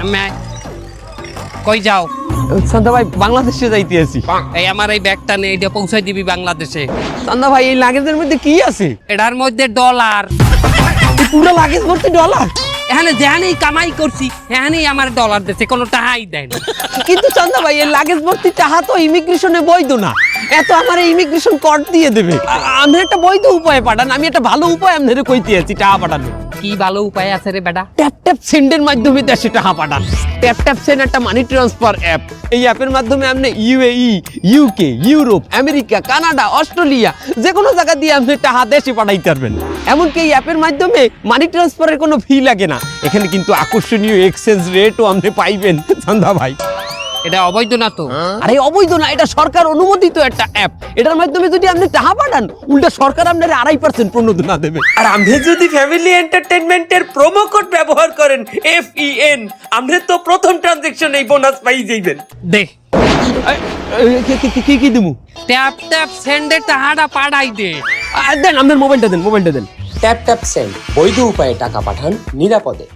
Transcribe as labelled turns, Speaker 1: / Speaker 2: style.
Speaker 1: আমি কই যাও?
Speaker 2: চান্দা ভাই বাংলাদেশে যাইতে আছি।
Speaker 1: এই আমার এই ব্যাগটা নে, এটা পৌঁছাই দিবি বাংলাদেশে।
Speaker 2: চান্দা ভাই এই লাগেজের মধ্যে কি আছে?
Speaker 1: এটার মধ্যে ডলার।
Speaker 2: এই পুরো লাগেজ ভর্তি ডলার?
Speaker 1: এখানে যেখানেই কামাই করছি এখানেই আমার ডলার দিচ্ছে, কোনো টাকাই দেয় না।
Speaker 2: কিন্তু চান্দা ভাই এই লাগেজ ভর্তি টাকা তো ইমিগ্রেশনে বৈধ না। এত আমার ইমিগ্রেশন কর দিয়ে দেবে। আমি একটা বৈধ উপায় পাঠান, আমি একটা ভালো উপায় আপনাদের কইতে আছি টাকা পাঠানো।
Speaker 1: কি ভালো উপায় আছে রে বেটা?
Speaker 2: ট্যাপ ট্যাপ সেন্ডের মাধ্যমে দেশে টাকা পাঠান। ট্যাপ ট্যাপ সেন্ড একটা মানি ট্রান্সফার অ্যাপ। এই অ্যাপের মাধ্যমে আপনি UAE, UK, Europe, America, Canada, Australia যে কোনো জায়গা দিয়ে আপনি টাকা দেশে পাঠাইতে পারবেন। এমনকি এই অ্যাপের মাধ্যমে মানি ট্রান্সফারের কোনো ফি লাগে না। এখানে কিন্তু আকর্ষণীয় এক্সচেঞ্জ রেটও আপনি পাইবেন চান্দা ভাই।
Speaker 1: এটা অবৈধ না তো?
Speaker 2: আরে অবৈধ না, এটা সরকার অনুমোদিত একটা অ্যাপ। এটার মাধ্যমে যদি আপনি টাকা পাঠান উল্টা সরকার আপনার 2.5% প্রণোদনা দেবে। আর আপনি যদি ফ্যামিলি এন্টারটেইনমেন্টের প্রোমো কোড ব্যবহার করেন FEN, আপনি তো প্রথম ট্রানজাকশনে এই বোনাস পাই যাবেন।
Speaker 1: দে
Speaker 2: কি দিমু?
Speaker 1: ট্যাপ ট্যাপ সেন্ডে টাকাটা পাঠাই দে।
Speaker 2: দেন আপনার মোবাইলটা দেন।
Speaker 3: ট্যাপ ট্যাপ সেন্ড বৈধ উপায়ে টাকা পাঠান নিরাপদে।